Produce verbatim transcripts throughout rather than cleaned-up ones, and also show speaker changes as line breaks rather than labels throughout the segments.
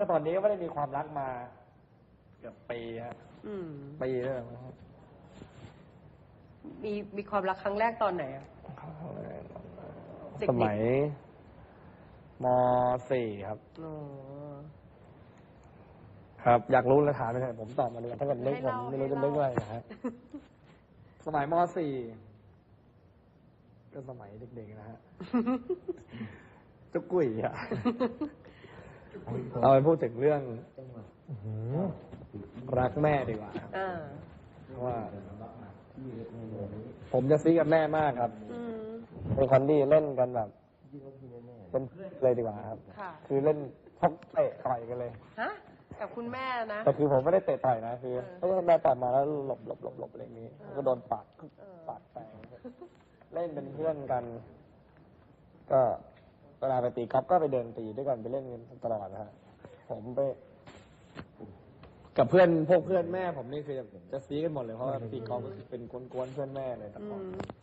ก็ตอนนี้ก็ไม่ได้มีความรักมาเกือบปีฮะปีแล้ว
มีมีความรักครั้งแรกตอนไหนอะ
สมัยม.สี่ครับครับอยากรู้แล้วถามไปเลยผมตอบมาเลยถ้าเกิดนึกผมไม่รู้จะนึกอะไรนะฮะสมัยม.สี่ก็สมัยเด็กๆนะฮะจุกกุ๋ยอะเราไปพูดถึงเรื่องรักแม่ดีกว่าเพราะว่าผมจะซีกับแม่มากครับเป็นคนที่เล่นกันแบบเป็นเพื่อนเลยดีกว่าครับคือเล่นชกเตะต่อยกันเลย
ฮะกับคุณแม่นะ
แต่คือผมไม่ได้เตะต่อยนะคือถ้าแม่ต่อยมาแล้วหลบหลบหลบหลบอะไรอย่างนี้ก็โดนปาดปาดแตงเล่นเป็นเพื่อนกัน ก็เวลาไปตีกอล์ฟก็ไปเดินตีด้วยกันไปเล่นกันตลอดนะฮะผมไปกับเพื่อนพวกเพื่อนแม่ผมนี่คือจะซีกันหมดเลยเพราะว่าตีกอล์ฟก็คือเป็นกวนๆเพื่อนแม่เลยแต่ก่อน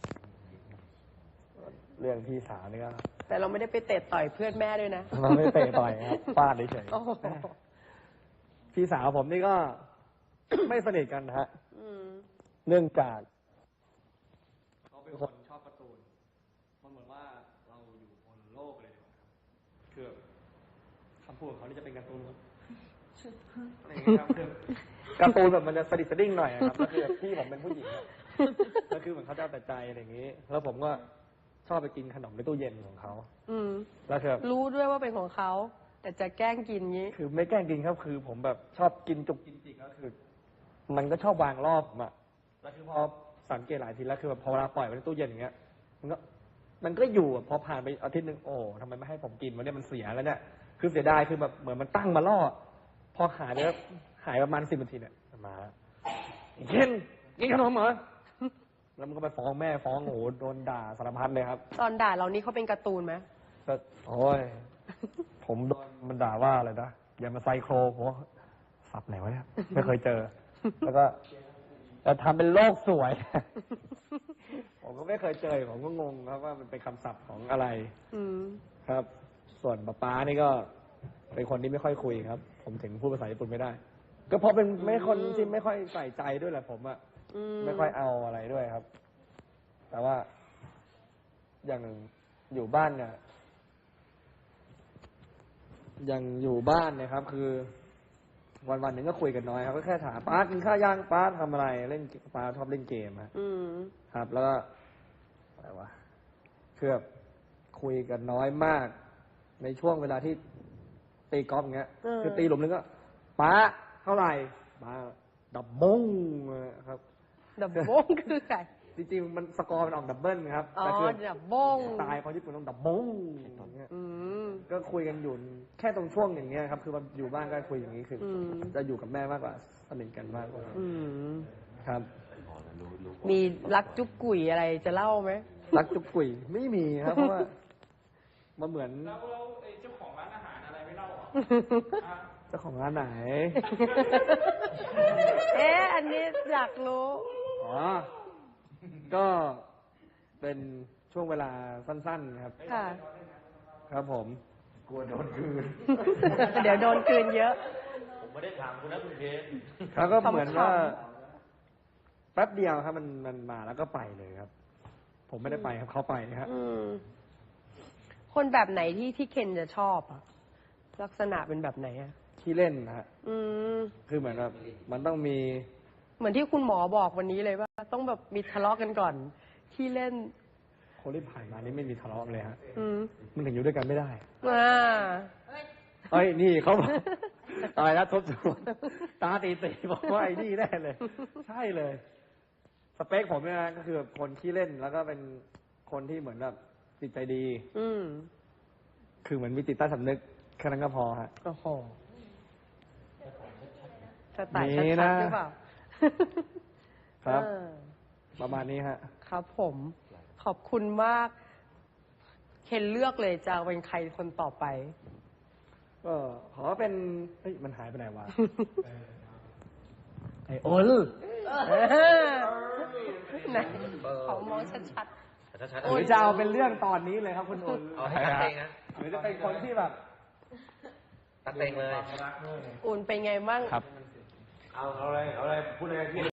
เรื่องพี่สาวนี่ก็
แต่เราไม่ได้ไปเตะต่อยเพื่อนแม่ด้วยนะ
เราไม่เตะต่อยครับฟาดเฉยๆพี่สาวผมนี่ก็ไม่สนิทกันนะฮะเนื่องจากเขาเป็นคนชอบการ์ตูนมันเหมือนว่าเราอยู่บนโลกเลยดีกว่าคือคำพูดของเขานี่จะเป็นการ์ตูนอะไรอย่างเงี้ยครับคือการ์ตูนแบบมันจะสดิสดิ้งหน่อยครับแล้วคือพี่ผมเป็นผู้หญิงแล้วคือเหมือนเขาจะแต่ใจอะไรอย่างงี้แล้วผมก็ชอบไปกินขนมในตู้เย็นของเขาอืมแล้วคือ
รู้ด้วยว่าเป็นของเขาแต่จะแกล้งกินงี้
คือไม่แกล้งกินครับคือผมแบบชอบกินจุกกินจิกก็คือมันก็ชอบวางรอบผมอะแล้วคือพอสังเกตหลายทีแล้วคือแบบพอเวลาปล่อยไว้ในตู้เย็นอย่างเงี้ยมันก็มันก็อยู่พอผ่านไปอาทิตย์หนึ่งโอ้ทำไมไม่ให้ผมกินวันนี้มันเสียแล้วเนี่ยคือเสียดายคือแบบเหมือนมันตั้งมาล่อพอหายแล้วหายประมาณสิบนาทีเนี่ยมาเย็นกินขนมเหรอแล้วมันก็ไปฟ้องแม่ฟ้องโอ้โหโดนด่าสารพัดเลยครับ
ตอนด่าเรานี่เขาเป็นการ์ตูนไหม
ก็โอ้ยผมโดนมันด่าว่าอะไรนะอย่ามาไซโครผมสับไหนวะเนี่ยไม่เคยเจอแล้วก็แต่ทำเป็นโลกสวยผมก็ไม่เคยเจอผมก็งงครับว่ามันเป็นคำศัพท์ของอะไรครับ ส่วนป๊าป๊านี่ก็เป็นคนที่ไม่ค่อยคุยครับผมถึงพูดภาษาญี่ปุ่นไม่ได้ก็เพราะเป็นไม่คนที่ไม่ค่อยใส่ใจด้วยแหละผมอะไม่ค่อยเอาอะไรด้วยครับแต่ว่าอย่างอยู่บ้านเนี่ยอย่างอยู่บ้านเนี่ยครับคือวันวันหนึ่งก็คุยกันน้อยครับก็แค่ถามป้ากินข้าวย่างป้าทำอะไรเล่นป้าชอบเล่นเกมครับแล้วก็อะไรวะคือแบบคุยกันน้อยมากในช่วงเวลาที่ตีกอล์ฟอย่างเงี้ยคือตีหลุมนึงก็ป้าเท่าไหร่ป้าดับมงครับ
ดับมงคือไง
จริงๆมันสกอร์มันออกดับเบิลครับ
อ๋อดับมง
ตายคนญี่ปุ่นต้องดับมงอย่างเงี้ยก็คุยกันอยู่แค่ตรงช่วงอย่างเงี้ยครับคืออยู่บ้านก็คุยอย่างนี้คือจะอยู่กับแม่มากกว่าสนิทกันมากกว่าครับ
มีรักจุ๊บกุ๋ยอะไรจะเล่าไหม
รักจุ๊บกุ๋ยไม่มีครับเพราะว่ามันเหมือน
แล้วเจ้าของร้านอาหารอะไรไม่เล่าหรอ
เจ้าของร้านไหน
เอ๊ะอันนี้อยากรู้
อ๋อก็เป็นช่วงเวลาสั้นๆครับ
ค่ะ
ครับผมกลัวโดนคืน
เดี๋ยวโดนคืนเยอะ
ผมไม่ได้ถามคุณนะคุณเคน
เขาก็เหมือนว่าแป๊บเดียวครับมันมันมาแล้วก็ไปเลยครับผมไม่ได้ไปครับเขาไปครับ
คนแบบไหนที่ที่เคนจะชอบอ่ะลักษณะเป็นแบบไหนอ่ะ
ที่เล่นนะฮะคือเหมือนแบบมันต้องมี
เหมือนที่คุณหมอบอกวันนี้เลยว่าต้องแบบมีทะเลาะกันก่อนที่เล่น
คนที่ผ่านมานี่ไม่มีทะเลาะเลยฮะมันถึงอยู่ด้วยกันไม่ได้
อ่า
เฮ้ยนี่เขาบอกตายแล้วทบทวนตาตีตีบอกว่าไอ้นี่แน่เลยใช่เลยสเปคผมเนี่ยนะก็คือคนที่เล่นแล้วก็เป็นคนที่เหมือนแบบจิตใจดีอืมคือเหมือนมีจิตใต้สำนึกแค่นั้นก็พอฮะ
โอ้โหจะตัดชัดๆหรือเปล่า
ครับประมาณนี้ฮะ
ครับผมขอบคุณมากเคนเลือกเลยจะเป็นใครคนต่อไป
ก็ขอเป็นเฮ้ยมันหายไปไหนวะไอ้โอน
ไหนขอมองชัด
ๆหรือจะเอาเป็นเรื่องตอนนี้เลยครับคุณโอนหรือจะเป็นคนที่แบบ
ตัดเต็งเลย
อุ่นเป็นไงบ้าง
ครับ
เอาเอาอะไรเอาอะไรพูดอะไรพี่